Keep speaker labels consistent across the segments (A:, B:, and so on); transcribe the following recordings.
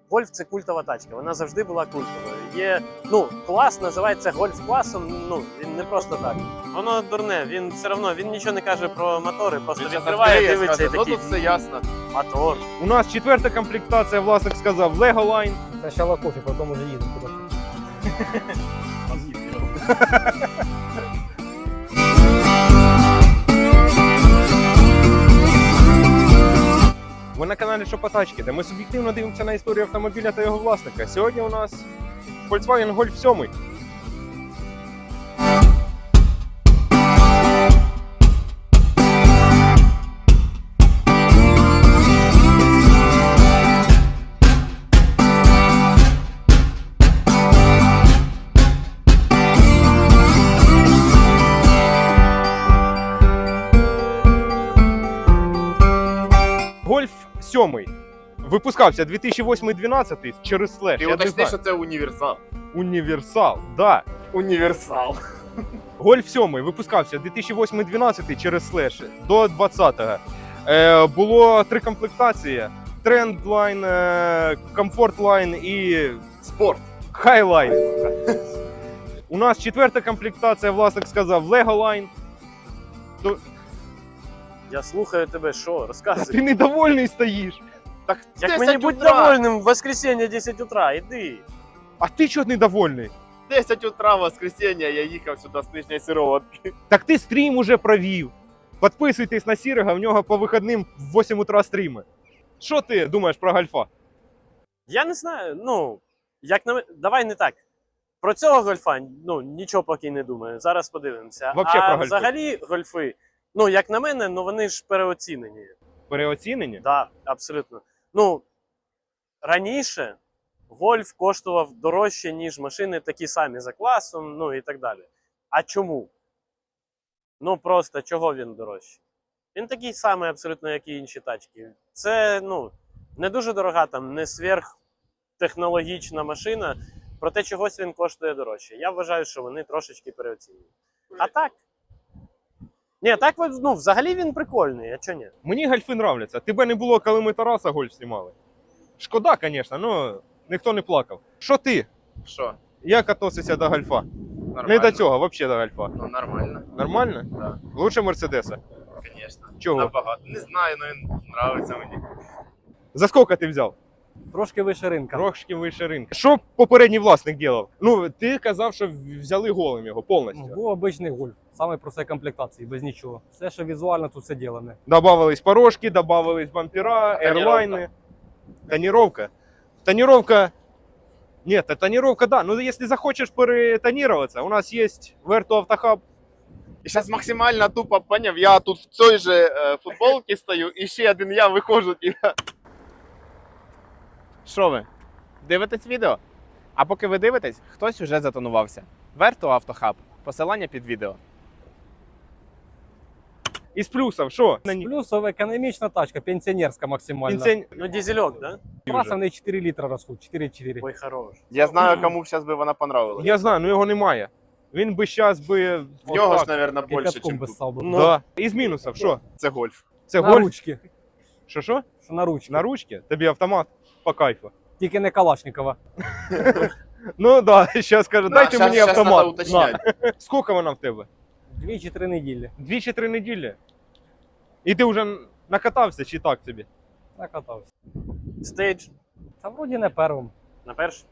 A: Гольф – це культова тачка, вона завжди була культовою. Є, клас називається гольф-класом, він не просто так. Воно дурне, він все одно, він нічого не каже про мотори, просто відкриває, дивиться і такий,
B: тут все ясно.
A: мотор.
C: У нас 4-та комплектація, власник сказав, Lego Line.
D: Сначала кофе, потом уже едем куда-то.
C: Ви на каналі Шопотачки, де ми суб'єктивно дивимося на історію автомобіля та його власника. Сьогодні у нас Volkswagen Golf 7. Golf 7 випускався 2008-2012 через слеш.
B: Ти уточни, що це універсал.
C: Універсал, да.
B: Універсал.
C: Golf 7 випускався 2008-2012 через слеш до 2020-го. Було 3 комплектації: Trendline, Comfort Line і
B: Спорт.
C: Highline. У нас 4-та комплектація, власник сказав, Lego Line.
A: Я слухаю тебе, що? Розказуй.
C: Ти недовольний стоїш.
B: Так
A: Як мені бути довольним в воскресенье 10 утра, іди.
C: А ти чого недовольний?
B: 10 утра в воскресенье я їхав сюди з Нижньої Сироватки.
C: Так ти стрім уже провів. Підписуйтесь на Сірого, в нього по вихідним в 8 утра стріми. Що ти думаєш про Гольфа?
A: Я не знаю, давай не так. Про цього гольфа, нічого поки не думаю. Зараз подивимося.
C: Вообще про гольфи.
A: Взагалі гольфи, як на мене, вони ж переоцінені.
C: Переоцінені?
A: Так, абсолютно. Раніше гольф коштував дорожче, ніж машини такі самі за класом, і так далі. А чому? Просто чого він дорожчий? Він такий самий абсолютно, як і інші тачки. Це, не дуже дорога, не сверхтехнологічна машина, проте чогось він коштує дорожче. Я вважаю, що вони трошечки переоцінені. А так? Ні, так, взагалі він прикольний, а чого ні?
C: Мені гольфи нравляться. Тебе не було, коли ми Тараса гольф знімали. Шкода, звісно, але ніхто не плакав. Що ти?
B: Що?
C: Як відносишся до гольфа?
B: Нормально.
C: Не до цього, взагалі до гольфа.
B: Ну, нормально.
C: Нормально?
B: Да.
C: Лучше Мерседеса.
B: Звісно.
C: Чого?
B: Набагато. Не знаю, але він подобається мені.
C: За скільки ти взяв?
D: Трошки вище ринка.
C: Трошки вище ринку. Що попередній власник робив? Ти казав, що взяли голим його повністю.
D: Був обичний гольф, саме простої комплектації, без нічого. Все, що візуально, тут все ділене.
C: Добавились порожки, добавились бампера, ерлайни. Тонировка. Тонировка. Нет, тонировка, да. Ну, если захочешь перетонироваться, у нас есть Vertu Автохаб.
B: І зараз максимально тупо, поняв, я тут в цій же футболці стою, і ще один я виходжу.
E: Що ви? Дивитесь відео? А поки ви дивитесь, хтось уже затонувався. Vertu Автохаб. Посилання під відео.
C: Из плюсов, что?
D: Плюсова економічна тачка, пенсіонерська максимально.
A: Дизельок, да?
D: Траса в неї 4 літра розход, 4,4.
A: Ой, хорош.
B: Я знаю, кому зараз би вона понравилась.
C: Я знаю, но його немає. Він би зараз би...
B: В нього ж, мабуть, більше,
D: Кипятком
B: ніж
D: би
B: тут.
D: ссав би.
C: Да. Із мінусів, що?
B: Це гольф.
C: Це
D: На
C: гольф?
D: ручки.
C: Що?
D: На ручки.
C: На ручки? Тобі автомат по кайфу.
D: Тільки не Калашникова.
C: Ну да, зараз каже, дайте мені
B: Надо
C: автомат.
B: уточняти.
C: На. Скільки вона в тебе?
D: 2 чи 3 неділі.
C: 2 чи 3 неділі? І ти вже накатався чи так тобі?
D: Накатався.
A: Стейдж
D: Та вроді не первим.
A: на перший.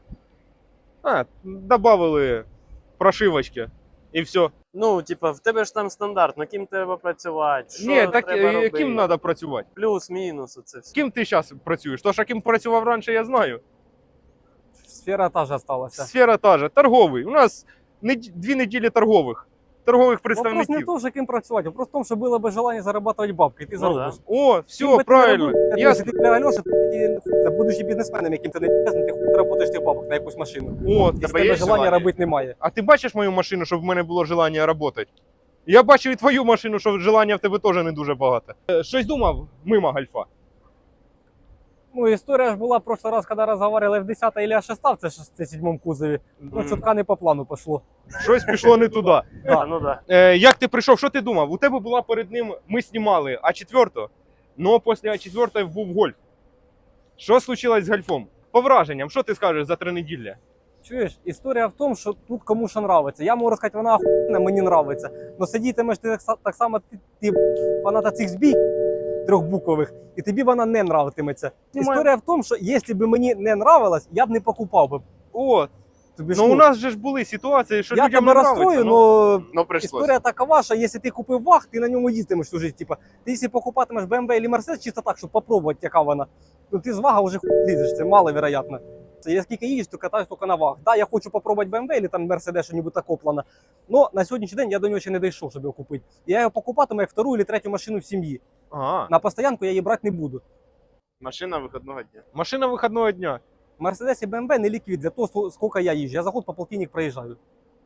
C: Добавили прошивочки і все.
A: В тебе ж там стандартно, ким треба працювати, що
C: Ні, так
A: треба робити.
C: ким треба працювати?
A: Плюс-мінус, оце все.
C: Ким ти зараз працюєш? То, що ким працював раніше, я знаю.
D: Сфера та ж осталася.
C: Сфера та же, торговий. У нас 2 неділі торгових
D: Вопрос не
C: представників.
D: в том, ким працювати, вопрос в том, що було б желання зарабатывать бабки, і ти заробиш.
C: О, все,
D: Ким би ти
C: правильно.
D: не робив,
C: Я...
D: Якщо ти для Альоша, ти будучи бізнесменом, яким ти не бізнесмен, ти хуй заработаєш тих бабок на якусь машину.
C: О,
D: І з
B: Тебе
D: тебе
B: є
D: желання
B: желання?
D: робити немає.
C: а ти бачиш мою машину, щоб в мене було желання працювати? Я бачив і твою машину, що желання в тебе теж не дуже багато. Щось думав мимо гольфа?
D: Ну, історія ж була в прошлый раз, коли розговорили F10 или A6, це ж це 7 кузові. Ну, чутка не по плану пішло.
C: Щось пішло не туди.
A: Да.
C: Як ти прийшов, що ти думав? У тебе була перед ним, ми знімали А4, але після А4 був гольф. Що случилось з гольфом? По враженням, що ти скажеш за 3 неділі?
D: Чуєш, історія в тому, що тут кому що нравиться. Я можу сказати, вона охуєнна, мені нравиться. Но сидітимеш ти так само, ти фаната цих збій трьохбукових, і тобі вона не нравитиметься. Історія в тому, що якщо б мені не нравилось, я б не покупав би.
C: О,
D: Тобі ж,
C: ну у нас же ж були ситуації, що
D: я
C: людям
D: тебе
C: не нравиться.
D: розстрою,
C: ну.
D: але
B: Ну, прийшлось.
D: історія такова, що якщо ти купив ваг, ти на ньому їздитимеш всю життя. Типа, ти якщо покупатимеш BMW або Mercedes чисто так, щоб попробувати, яка вона, ну ти з вага вже лізеш, це маловероятно. Я скільки їжджу, то катаюсь тільки на ваг. Да, я хочу попробувати BMW або там Mercedes, що-небудь таке плана. Но на сьогоднішній день я до нього ще не дійшов, щоб його купити. Я його покупатиму як втору або третю машину в сім'ї.
C: Ага.
D: На постоянку я її брати не буду.
B: Машина вихідного дня.
C: Машина вихідного дня.
D: Mercedes і BMW не ліквід для того, скільки я їжджу. Я за год по полтинник проїжджаю.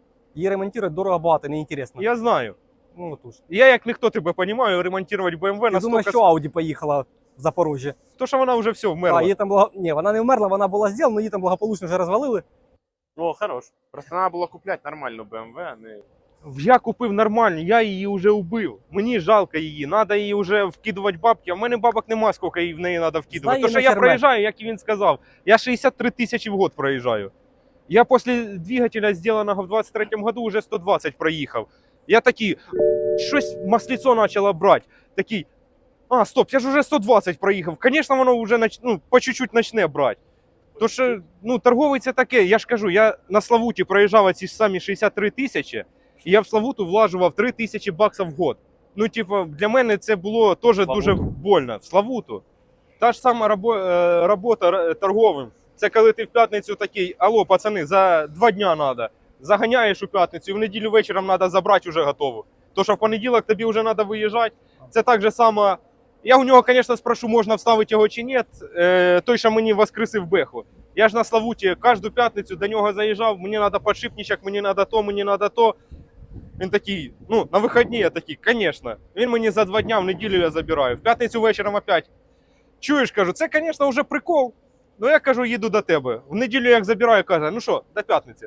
D: Її ремонтувати дорого багато, неінтересно.
C: Я знаю.
D: Ну, отож.
C: Я як ніхто тебе розумію, ремонтувати BMW
D: Я думаю,
C: настільки...
D: що Audi поїхала в Запорожжя.
C: То, що вона вже все
D: А,
C: вмерла.
D: її там Ні, вона не вмерла, вона була зроблена, її там благополучно вже розвалили.
A: О, хорош.
B: Просто треба було купляти нормальну BMW, а не...
C: Я купив нормально, я її вже вбив. Мені жалко її, треба її вже вкидувати бабки. А в мене бабок нема, скільки її в неї треба вкидувати.
D: Знаю,
C: То, що
D: на
C: я
D: ферме.
C: проїжджаю, як і він сказав, я 63 тисячі в год проїжджаю. Я після двигателя, зробленого в 23-му году, вже 120 проїхав. Я такий, щось масліцо почало брати. Такий, а, стоп, я ж вже 120 проїхав. Звісно, воно вже по чуть-чуть почне брати. То що, торговий це таке, я ж кажу, я на Славуті проїжджав ці ж самі 63 тисячі, і я в Славуту влажував 3 тисячі баксів в год. Ну, типу, для мене це було теж дуже больно. В Славуту. Та ж сама робота торговим. Це коли ти в п'ятницю такий, алло, пацани, за 2 дня треба. Заганяєш у п'ятницю, і в неділю вечором треба забрати вже готово. То, що в понеділок тобі вже треба виїжджати, це так же само. Я у нього, звісно, спрошу, можна вставити його чи ні, той, що мені воскресив Беху. Я ж на Славуті кожну п'ятницю до нього заїжджав, мені треба подшипничок, мені треба то, мені треба то. Він такий, на вихідні я такий, звісно. Він мені за 2 дня в неділю я забираю. В п'ятницю вечором опять. Чуєш, кажу, це, звісно, вже прикол. Ну я кажу, їду до тебе. В неділю як забираю, каже, ну що, до п'ятниці.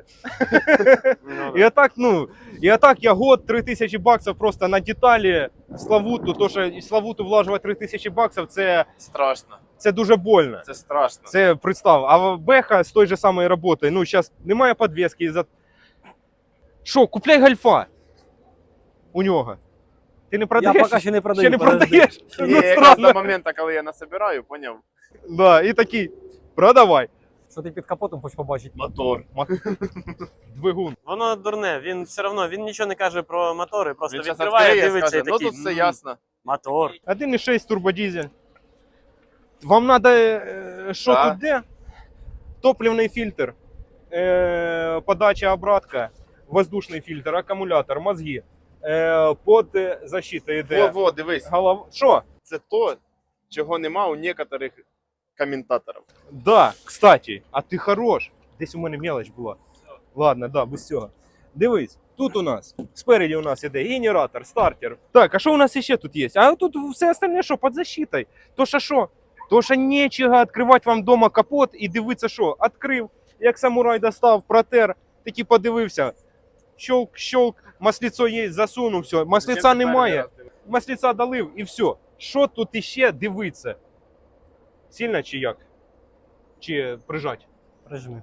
C: І отак я год 3 тисячі баксів просто на деталі в Славуту. То, що і Славуту влажувати 3 тисячі баксів,
B: Страшно.
C: це дуже больно.
B: Це страшно.
C: Це представ. А Беха з той же самої роботи, зараз немає підвіски. Що, купляй гольфа у нього. Ти не продаєш?
D: Я поки ще не продаю.
C: Ще не
D: подожди.
C: продаєш?
B: Ні,
C: Ну,
B: якраз
C: странно.
B: до моменту, коли я насобираю, поняв?
C: Да, і такий, продавай.
D: Що ти під капотом хочеш побачити?
B: Мотор.
C: Двигун.
A: Воно дурне, він все одно він нічого не каже про мотори, просто
B: Він зараз
A: відкриває,
B: відкриє,
A: дивиться
B: скаже,
A: і такий.
B: ну тут все ясно.
A: Мотор.
C: 1,6 турбодизель. Вам надо, що
B: Да.
C: тут де? Топливний фільтр, подача обратка, воздушний фільтр, акумулятор, мозги. Под защита йде.
B: Во, дивись.
C: Голова. Що?
B: Це то, чого нема у некоторих коментаторів.
C: Да, кстати, а ти хорош. Десь у мене мелоч була. Ладно, да, без цього. Дивись, тут у нас, спереді у нас іде генератор, стартер. Так, а що у нас ще тут є? А тут все остальне що, під защитой. То що? То що нічого відкривати вам вдома капот і дивитися, що відкрив, як самурай достав, протер, такий подивився. Щолк, масліцо є, засунув, все. Масліця немає, масліця долив і все. Що тут іще дивитися? Сильно чи як? Чи прижать?
D: Прижми.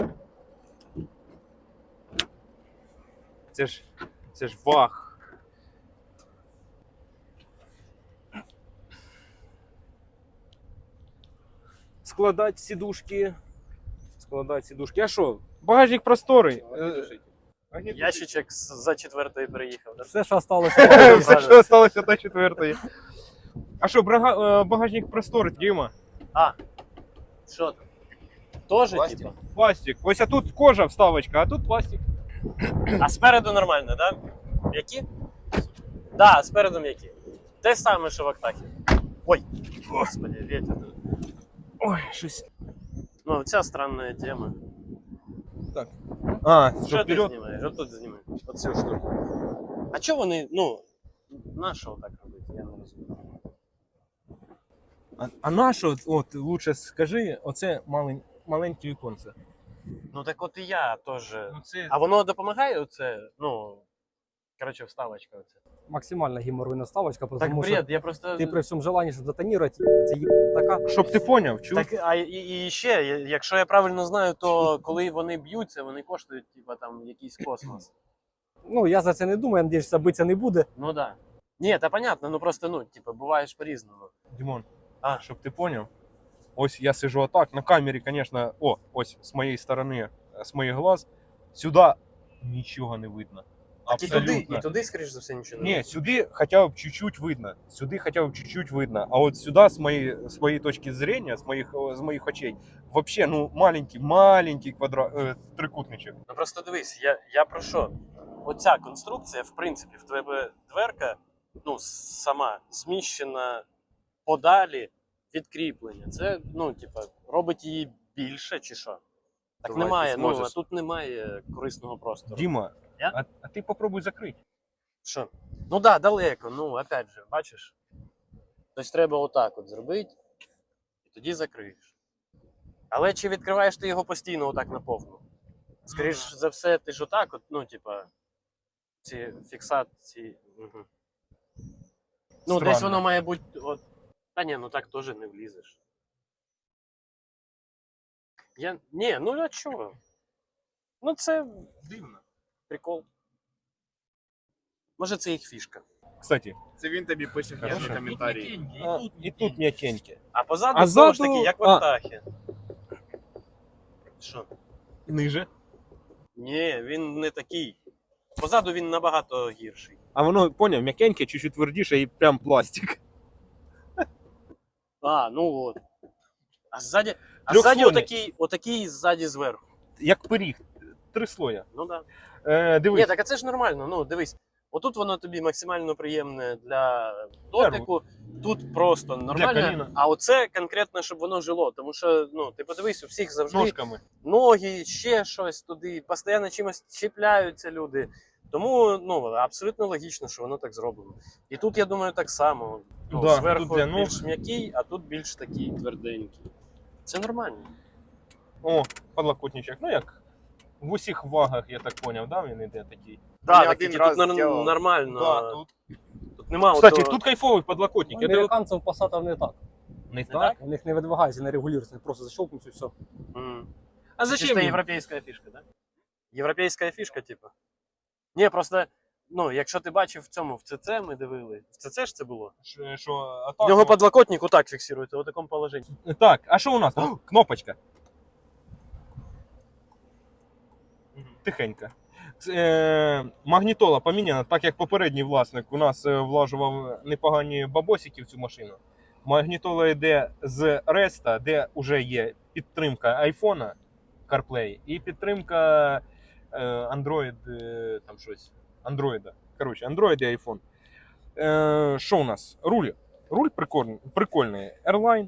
C: Це ж ваг. Складати сідушки. А що? Багажник просторий.
A: Ящичок за 4-ї приїхав. Да?
D: Все, що залишилося.
C: Все, що залишилося до 4-ї. А що, багажник просторий, Діма?
A: Що там? Тоже,
B: Пластик.
A: типа?
C: Пластик. Ось тут кожа вставочка, а тут пластик.
A: А спереду нормально, да? М'які? Да, спереду м'які. Те саме, що в Актахі. Ой, господи, ветер.
C: Ой, щось.
A: Ну, ця странна тема.
C: А,
A: Що
C: що
A: ти
C: вперед?
A: знімаєш? Отут знімаєш. Оцю штуку. А чого вони, на що так робити? Я не розумію.
C: А на що, от, лучше скажи, оце маленьке віконце.
A: Ну так от і я теж.
C: Ну, це...
A: А воно допомагає оце, Коротше, вставочка оця.
D: Максимально геморройна ставочка,
A: Так
D: тому що
A: бред, я просто...
D: ти при всьому желанні, щоб затонірувати, це така.
C: Щоб ти поняв, чув?
A: Так, і ще, якщо я правильно знаю, то коли вони б'ються, вони коштують, типа, там, якийсь космос.
D: Ну, я за це не думаю, я надіюсь, що битися не буде.
A: Ну да. Ні, та понятно, ну просто, ну, типа, буває ж по-різному.
C: Димон,
A: А.
C: щоб ти поняв. Ось я сижу отак, на камері, звісно, ось з моєї сторони, з моїх глаз, сюди нічого не видно.
A: Так і туди, скоріш за все, нічого не
C: Ні,
A: буде.
C: сюди хоча б чуть-чуть видно. Сюди хоча б чуть-чуть видно. А от сюди, з моєї точки зрення, з моїх очей, вообще, ну, маленький трикутничок.
A: Ну просто дивись, я про що? Оця конструкція, в принципі, в тебе дверка, ну, сама зміщена подалі від кріплення. Це, ну, типа, робить її більше чи що? Так
B: Давай,
A: немає,
B: ти
A: ну, а
B: зможеш.
A: тут немає корисного простору.
C: Діма,
A: Я?
C: а ти попробуй закрити.
A: Що? Ну да, далеко, ну, опять же, бачиш? Тобто треба отак от зробити, і тоді закриєш. Але чи відкриваєш ти його постійно отак наповну? Скоріш за все, ти ж отак от, ну, типа, ці фіксації. Угу. Ну, десь
C: Странно.
A: воно має бути. От... Та ні, ну так теж не влізеш. Ні, ну а чого? Ну це дивно. Прикол. Може це їх фішка.
C: Кстати,
B: Це він тобі пише
C: Хорошо.
B: гарні коментарі.
C: і тут м'якеньке.
A: А позаду
C: А
A: знову ж
C: ззаду-
A: таки, як в
C: а.
A: Артахі. Що?
C: Ниже.
A: Ні, він не такий. Позаду він набагато гірший.
C: А воно, поняв, м'якеньке, чуть-чуть твердіше і прям пластик.
A: А, ну от. А ззаді
C: Трьохслойний.
A: отакий ззаді зверху.
C: Як пиріг. 3 слоя.
A: Ну да.
C: Дивись.
A: Ні, так а це ж нормально. Ну, дивись, отут воно тобі максимально приємне для дотику, тут просто нормально.
C: коліна.
A: А оце конкретно, щоб воно жило. Тому що, ну, ти подивись, у всіх завжди
C: Ножками.
A: ноги, ще щось туди, постійно чимось чіпляються люди. Тому ну, абсолютно логічно, що воно так зроблено. І тут, я думаю, так само. Ну,
C: Да,
A: зверху
C: тут для ног.
A: більш м'який, а тут більш такий тверденький. Це нормально.
C: О, подлокотничок. Ну як в усіх вагах, я так поняв, да, він іде такий.
A: Да,
B: Я
A: так,
B: один
A: тут
B: раз зробив.
A: нормально.
C: Да, тут.
A: Тут нема
C: Кстати,
A: отого-
C: тут кайфовий подлокотник. Я дивив-
D: Американців Passat не так.
C: Не
A: так?
C: так?
D: У них не видвигається, не регулюється, просто защелкнуться і все.
C: А
A: Це
C: зачем
A: чисто
C: їм?
A: європейська фішка, да? Європейська фішка, типу. Ні, просто, ну, якщо ти бачив в цьому, в ЦЦ ми дивили. В ЦЦ ж це було?
C: Що, а
A: В
C: так,
A: нього подлокотник отак фіксується, у такому положенні.
C: Так, а що у нас? О, кнопочка. Тихенько. Магнітола поміняна, так як попередній власник у нас влажував непогані бабосики в цю машину. Магнітола йде з Реста, де вже є підтримка айфона CarPlay і підтримка Android, там щось. Android. Коротше, Android і iPhone. Що у нас? Руль. Руль прикольний. Airline.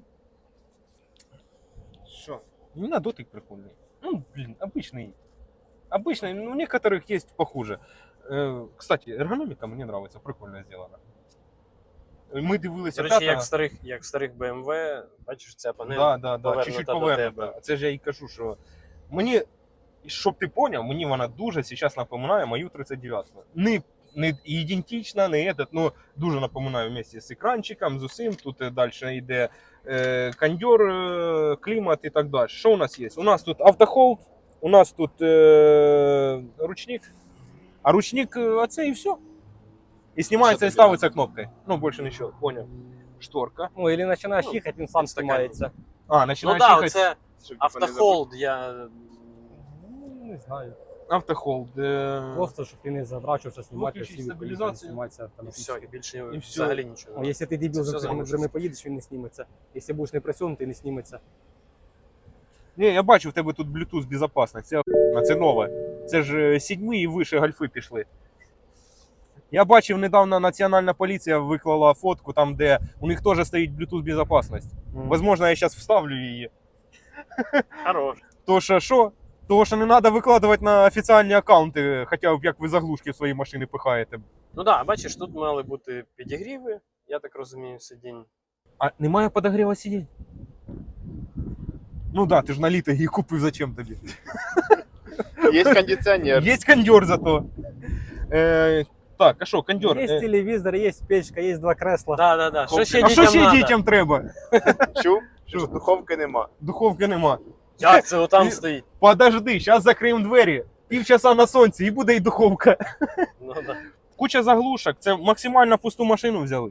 B: Що?
C: Не на дотик прикольный. Ну, блин, обычный. Обычный, ну, у некоторых есть похуже. Кстати, ергономика мне нравится, прикольно сделана. Ми дивилися
A: До речі,
C: п'ята.
A: як в старих BMW, бачиш, ця панель
C: Да,
A: повернута
C: чуть-чуть
A: до
C: повернута.
A: тебе.
C: Це ж я і кажу, що мені, щоб ти поняв, мені вона дуже зараз напоминає мою 39. Не ідентична, не этот, ну дуже напоминаю вместе з екранчиком, з усім. Тут далі йде кондьор, клімат і так далі. Що у нас є? У нас тут автохолд, у нас тут ручник, а ручник оце і все. І знімається і
A: тобі
C: ставиться кнопкою. Ну, більше нічого, поняв. Шторка.
D: Ну, або починаєш
A: Ну,
D: їхати, він сам
A: стакан.
D: знімається.
C: А,
A: Ну
C: починаєш
A: так,
C: їхати.
A: оце
B: Щоб, типа, не
A: автохолд, я...
D: Ну, не знаю.
C: Автохолд.
D: Просто, щоб ти не задрачувався, знімати
C: Виключить
D: всі
C: стабілізацію.
D: знімається
A: І все, і більше
C: І все.
A: взагалі нічого.
D: Ну, якщо ти дебіл
A: Це
D: за
A: все
D: цими
A: залишиться.
D: дверми поїдеш, він не зніметься. Якщо будеш не присунутий, не зніметься.
C: Ні, я бачу, в тебе тут Bluetooth безпечність. Це охуєнно, це нове. Це ж 7 і вище гольфи пішли. Я бачив, недавно Національна поліція виклала фотку, там, де у них теж стоїть Bluetooth безпечність. Возможно, я зараз вставлю її.
A: Хорош.
C: То що? Того, що не треба викладувати на офіційні аккаунти, хоча б як ви заглушки в свої машини пихаєте.
A: Ну так, да, бачиш, тут мали бути підігріви, я так розумію, сидінь.
C: А немає подогріва сидінь? Ну да, ти ж на літо її купив, зачем тобі?
B: Є кондиціонер.
C: Є кондьор зато. Так, а що, кондьор?
D: Є телевізор, є печка, є 2 кресла.
A: Да. Що ще
C: А що ще
A: надо?
C: дітям треба?
B: Чув?
C: Що?
B: Що духовки нема.
C: Духовки нема.
A: Як це отам стоїть?
C: Подожди, зараз закриємо двері. Півчаса на сонці і буде і духовка.
A: Ну, да.
C: Куча заглушок, це максимально пусту машину взяли.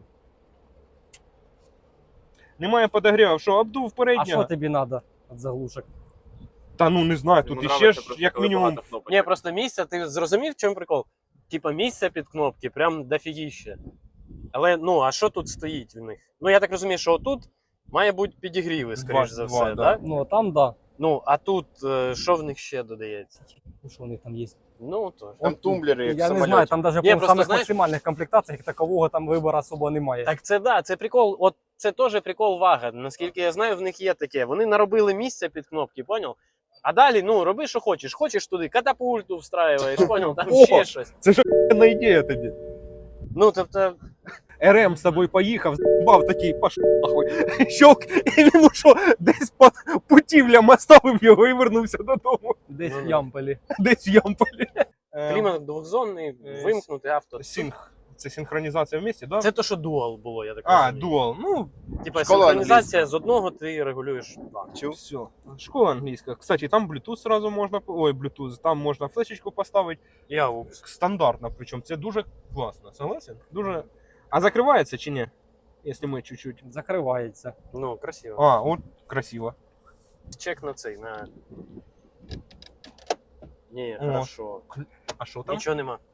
C: Немає подогрівів, що обдув
D: А що
C: переднього.
D: тобі треба від заглушок?
C: Та ну не знаю, тут
B: Йому
C: іще
B: нравиться
C: ж
B: просто,
C: як
B: коли
C: мінімум.
B: багато кнопок.
A: Ні, просто місця, ти зрозумів, в чому прикол? Типа місця під кнопки прям дофігіще. Але ну, а що тут стоїть в них? Ну я так розумію, що отут має бути підігріви, скоріш за
C: Два,
A: все,
C: да.
A: так?
D: Ну, а там, да.
A: Ну, а тут що в них ще додається?
D: Ну, що у них там є?
A: Ну, то.
B: Там тумблери, як в
D: Я не знаю,
B: самольоті.
D: там навіть
A: Ні,
D: по
A: просто,
D: самих
A: знаєш-
D: максимальних комплектаціях як такового там вибору особо немає.
A: Так це да, це прикол. От це теж прикол вага. Наскільки я знаю, в них є таке. Вони наробили місця під кнопки, поняв? А далі, ну, роби, що хочеш. Хочеш туди катапульту встраюєш, поняв? Там
C: О!
A: ще щось.
C: Це ж охуєнна ідея тобі.
A: Ну, тобто,
C: РМ з тобою поїхав, з**бав такий, пошов нахуй. Щелк, і він що, десь під путівлям оставив його і вернувся додому.
D: Десь
A: Ну,
D: в Ямполі.
C: Десь в Ямполі.
A: клімат двохзонний, вимкнути авто.
C: Це синхронізація в місті, так?
A: Це то, що дуал було, я так
C: А,
A: розумію.
C: дуал. Ну,
A: Типа
B: Школа
A: синхронізація з одного ти регулюєш два.
B: Чув?
C: все. Школа англійська. Кстати, там Bluetooth сразу можна, ой, Bluetooth, там можна флешечку поставити.
A: І аукс.
C: Стандартно, причому це дуже класно. Согласен? Дуже. А закривається чи ні? Якщо ми чуть-чуть.
D: Закривається.
A: Ну, красиво.
C: А, от красиво.
A: Чек на цей, на. Ні,
C: О.
A: хорошо.
C: А що там?
A: Нічого нема.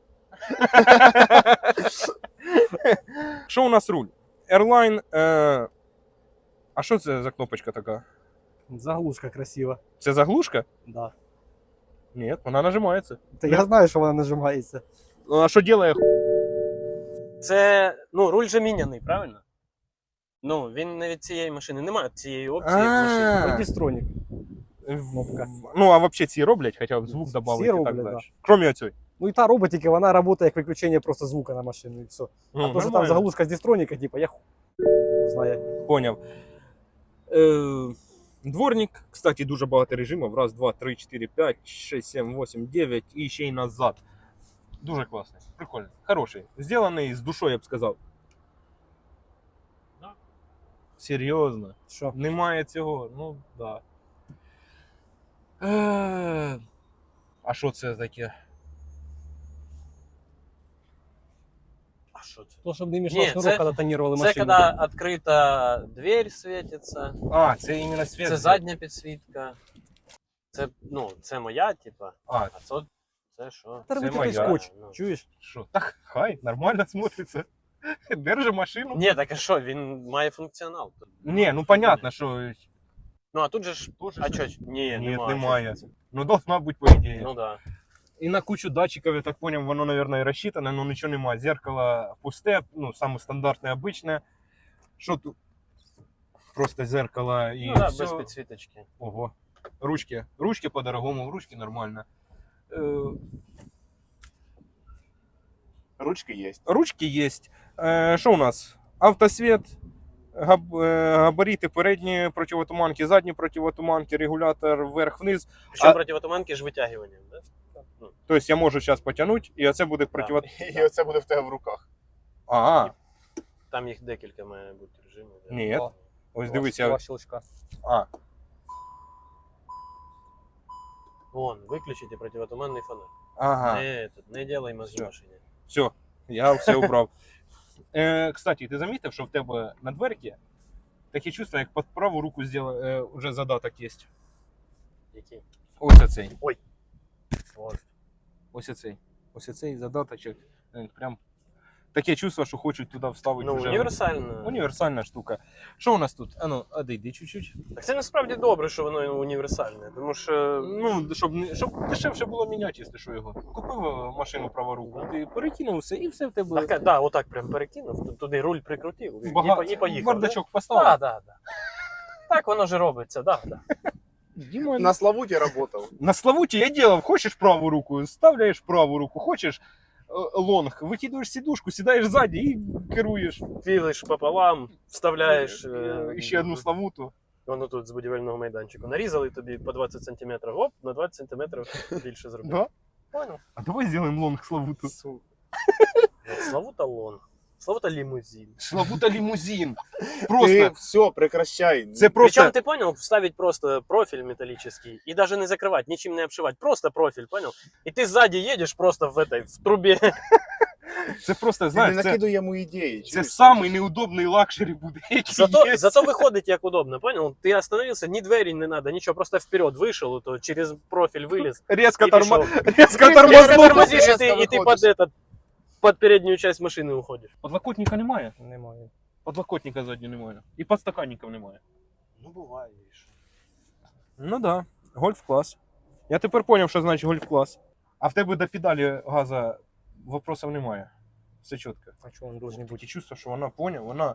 C: Що у нас руль? Airline. А що це за кнопочка така?
D: Заглушка красива.
C: Це заглушка?
D: Да.
C: Ні, вона нажимається.
D: Та я знаю, що вона нажимається.
C: Ну, а що робить?
A: Це, ну, руль же міняний, правильно? Ну, він не від цієї машини. Немає цієї опції в машині.
D: Дістронік.
C: Кнопка. Ну, а взагалі ці роблять, хоча б звук додати і так
D: роблять,
C: далі.
D: да.
C: Кроме оцього.
D: Ну і та робить, тільки вона працює як виключення просто звука на машину і все. А то, що там заглушка з дістроніка, типа, я знаю.
C: Поняв. Дворник, кстати, дуже багато режимів. Раз, два, три, 4, 5, 6, 7, 8, 9 і ще й назад. Дуже класний, прикольний, хороший. Зроблений з душою, я б сказав.
A: Да.
C: Серйозно.
D: Що?
C: Немає цього, ну да. А що це таке?
A: А що це?
D: То, щоб не
A: Ні,
D: мішав
A: це-
D: шнурок, коли тонірували
A: Це
D: машину.
A: коли відкрита дверь світиться,
C: А, це іменно світ.
A: це задня підсвітка. Це, ну, це моя, типа,
C: А,
A: а це що?
D: Та робити
C: це
D: той
C: моя.
D: скотч,
A: Ну.
D: чуєш?
C: що? Так, хай, нормально смотриться. Держи машину.
A: Ні, так а що, він має функціонал.
C: Ні, ну понятно, що
A: Ну, а тут же ж, а що? Ні,
C: немає. Ну, должна бути, по ідеї.
A: Ну, да.
C: І на кучу датчиків, я так понял, воно, наверное, і розчитане, но нічого немає. Зеркало пусте, ну, саме стандартне, обичне. Що тут? Просто зеркало і
A: Ну, да,
C: все.
A: без підсвіточки.
C: Ого. Ручки. Ручки по-дорогому, ручки нормально.
B: Ручки є.
C: Ручки є. Що у нас? Автосвіт, габарити передні противотуманки, задні противотуманки, регулятор вверх-вниз.
A: Причому
C: А-
A: противотуманки з витягуванням, да? Ну,
C: Тобто я можу зараз потягнути, і оце буде противотуманки.
B: І оце буде в тебе в руках.
C: Ага.
A: там їх декілька має бути режимів. да.
C: Ні.
D: О,
C: Ось дивися.
D: Два щелчка.
C: А,
A: Вон, виключите противотуманний фонарь.
C: ага.
A: Не делай мозги
C: Всё.
A: машині.
C: Все, я все убрав. Кстати, ти замітив, що в тебе на дверці таке чувство, як під праву руку вже задаток є.
A: Які?
C: Ось оцей.
A: От.
C: Ось оцей. Ось оцей задаточок. Прям таке чувство, що хочуть туди вставити
A: Ну,
C: вже.
A: універсально.
C: Універсальна штука. Що у нас тут? А ну, одійди чуть-чуть.
A: Так це насправді добре, що воно універсальне, тому що
C: Ну, щоб дешевше було міняти, якщо що його. Купив машину праворуку, ти перекинув все і все в тебе.
A: так, да, отак прям перекинув, туди руль прикрутив і поїхав.
C: Бардачок
A: Да?
C: поставив.
A: Да. Так воно ж робиться, да.
C: Діма,
B: На Славуті працював.
C: на Славуті я делав, хочеш праву руку, ставляєш праву руку, хочеш лонг, викидуєш сідушку, сідаєш ззаді і керуєш.
A: Філиш пополам, вставляєш.
C: І ще одну Славуту.
A: Воно тут з будівельного майданчику. Нарізали тобі по 20 см, оп, на 20 см більше зробили.
C: Да?
A: Понял?
C: А давай зробимо лонг Славуту.
A: Сука. Славуталон. Славута-лимузин.
C: Славута лімузин.
B: Ти
C: Просто.
B: все, прекращай.
C: Це просто.
A: Причем, ты понял, вставить просто профиль металлический и даже не закрывать, ничем не обшивать, просто профиль, понял? И ты сзади едешь просто в трубе.
C: Це просто,
B: Ти не
C: знаєш, це,
B: накидуй йому ідеї.
C: це
B: чуєш?
C: самий неудобний лакшері буде, який є.
A: Зато выходит як удобно, понял? Ты остановился, ни двери не надо, ничего, просто вперед вышел, то через профиль вылез.
C: Резко
A: и пошел.
C: резко
A: Если
C: тормознув.
A: тормозишь, и
B: резко
A: ты
B: выходишь.
A: под переднюю часть машины уходишь.
C: Подлокотника немає.
D: Немає.
C: Подлокотника заднього немає. І підстаканників немає.
B: Ну буває. і що.
C: Ну да, гольф-клас. Я тепер зрозумів, що значить гольф-клас. А в тебе до педалі газа вопросів немає. Все чітко.
D: А чого він должен бути?
C: І чувство, що вона поняв,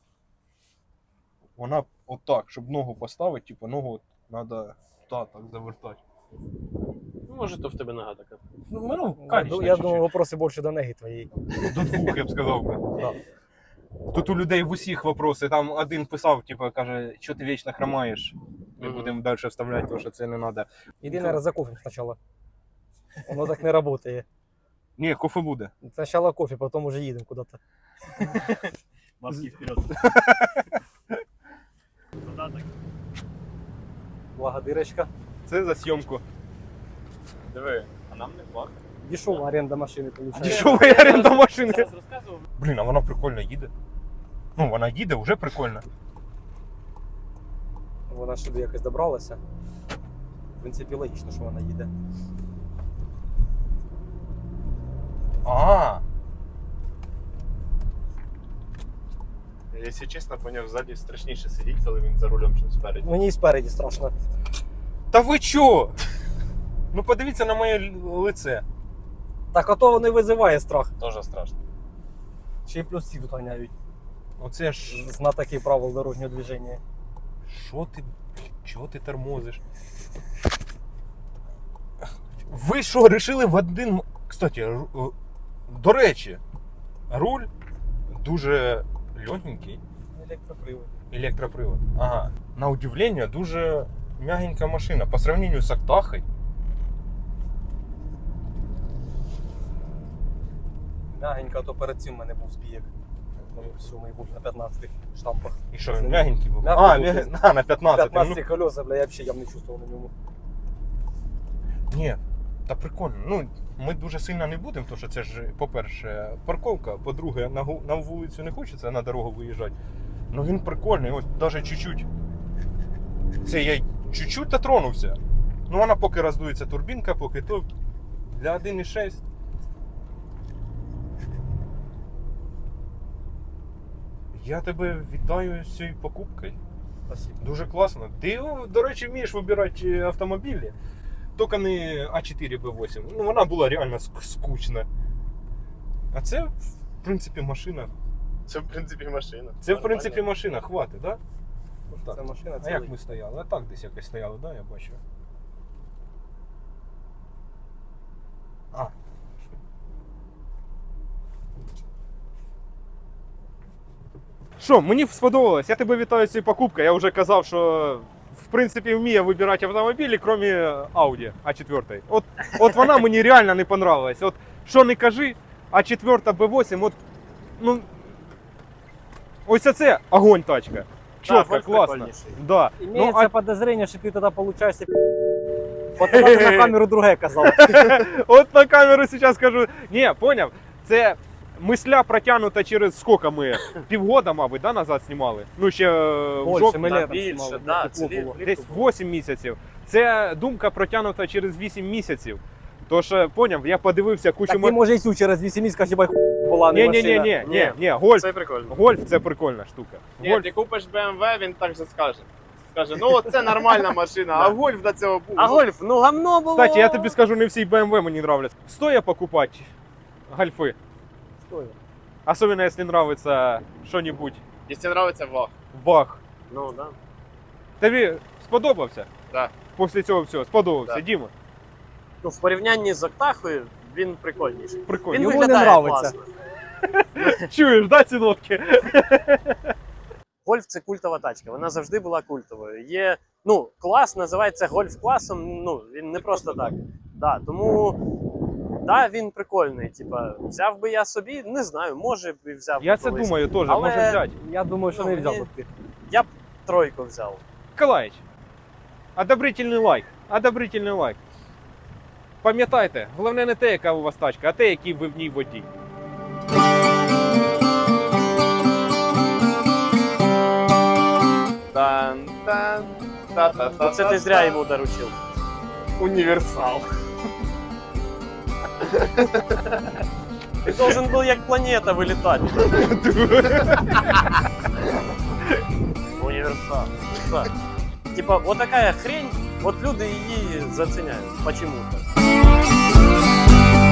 C: вона отак, щоб ногу поставити, типу ногу треба так завертати.
A: Ну, может, то в тебе нога така.
C: Ну,
D: Я думаю, вопроси більше до неги твоєї.
C: До двох, я б сказав би.
D: Да.
C: Тут у людей в усіх вопроси. Там один писав, типу, каже, що ти вічно хромаєш. Ми будемо далі вставляти, тому що це не треба.
D: Іди, наверное, за кофе спочатку. Воно так не працює.
C: Ні, кофе буде.
D: Спочатку кофе, потім уже їдемо куди-то.
A: Маски вперед.
D: Благодарочка.
C: Це за зйомку.
B: Диви, а нам не плакати.
D: Дешова оренда машини, виходить.
C: Дешова оренда машини.
A: Зараз розказував.
C: Блін, а вона прикольно їде. Ну, вона їде, вже прикольно.
D: Вона сюди якось добралася. В принципі, логічно, що вона їде.
C: А,
B: Якщо чесно, поняв, ззаді страшніше сидіти, коли він за рулем, чим спереді.
D: Мені і спереді страшно.
C: та ви чо? Ну подивіться на моє лице.
D: Так, а то воно і визиває страх.
B: Тоже страшно.
D: Ще й плюс всі тут ганяють.
C: Оце ж.
D: Знатоки правил дорожнього движення.
C: Що ти? Чого ти тормозиш? Ви що, рішили в один. Кстати, до речі, руль дуже легенький.
D: Електропривод.
C: Електропривод. Ага. На удивление, дуже мягенька машина. По сравнению с Актахой.
D: Мягенько, а то перед цим в мене був збієк. Сьомий був на 15 штампах.
C: І що, він мягенький був?
D: Мягкий був.
C: На 15.
D: 15 колеса, бля, я взагалі не чувствував на ньому.
C: Ні, та прикольно. Ну, ми дуже сильно не будемо, тому що це ж, по-перше, парковка, по-друге, на вулицю не хочеться на дорогу виїжджати. Ну він прикольний, ось навіть чуть-чуть. Це я чуть-чуть дотронувся. Ну вона поки роздується турбінка, поки то для 1.6. Я тебе вітаю з цією покупкою.
D: Спасибо.
C: Дуже класно. Ти, до речі, вмієш вибирати автомобілі. Тільки не А4 Б8. Ну, вона була реально скучна. А це, в принципі, машина.
B: Це, в принципі, машина.
C: Це, в принципі, машина. Хватить, так? Да?
D: Це машина,
C: А
D: це
C: як ми стояли? А так десь якось стояли, да, я бачу. А. Що, мені сподобалось, я тебе вітаю з цією покупкою. Я вже казав, що в принципі вміє вибирати автомобілі, крім Audi A4. От вона мені реально не понравилась. От що не кажи, А4 B8, от, ну, ось це огонь тачка. Чітко,
A: Гольф
C: класно.
A: прикольніший.
C: Да.
D: Імеється
C: Ну,
D: подозрення, що ти тоді получаєшся От тоді ти на камеру друге казав.
C: От на камеру зараз скажу. Ні, поняв? Це мисля протягнута через скільки ми? Півгода, мабуть, да, назад знімали? Ну, ще в
D: Більше,
C: жовтні.
D: ми
A: Да,
D: літом
A: більше,
D: знімали,
A: да,
D: тепло
A: це
D: було.
C: Десь 8 місяців. Це думка протягнута через 8 місяців. Тож, поняв, я подивився кучу...
D: Так ти може і цю через 8 місяців, кажеш, бай була не машина.
C: Ні, гольф.
A: Це прикольно.
C: Гольф це прикольна штука.
B: Ні,
C: Гольф.
B: ти купиш BMW, він так же скаже. Скаже, ну це нормальна машина, а гольф до цього був.
A: А гольф, ну гамно було.
C: Кстати, я тобі скажу, не всі BMW мені нравляться. Стоя покупати гольфи.
D: Стоїть.
C: Особенно, если нравится что-нибудь
B: Якщо подобається ваг.
C: ваг.
A: Ну, да.
C: Тобі сподобався?
B: Так.
C: Після цього всього сподобався,
B: Так.
C: Діма?
A: Ну, в порівнянні з Актахою він прикольніший.
C: Прикольно.
A: Він
D: Йому не
A: виглядає
D: нравиться.
A: класно.
C: Чуєш, да, ці нотки?
A: Гольф це культова тачка, вона завжди була культовою. Є, ну, клас називається гольф-класом, ну, він не просто так. Да, тому Да, він прикольний. Типа, взяв би я собі, не знаю, може б і взяв.
C: Я
A: би
C: це
A: колись.
C: думаю теж,
A: Але-
C: може взяти.
D: Я думаю, що
A: Ну,
D: не взяв
A: мені-
D: би ти.
A: Я б тройку взяв.
C: Миколаїч, одобрительний лайк. Одобрительний лайк. Пам'ятайте, головне не те, яка у вас тачка, а те, який ви в ній водій.
A: Це ти зря йому доручив.
B: Універсал.
A: Ти должен був як планета вилітати. Універсал. Так. Типа, вот такая хрень, вот люди її заценяють. Почему-то.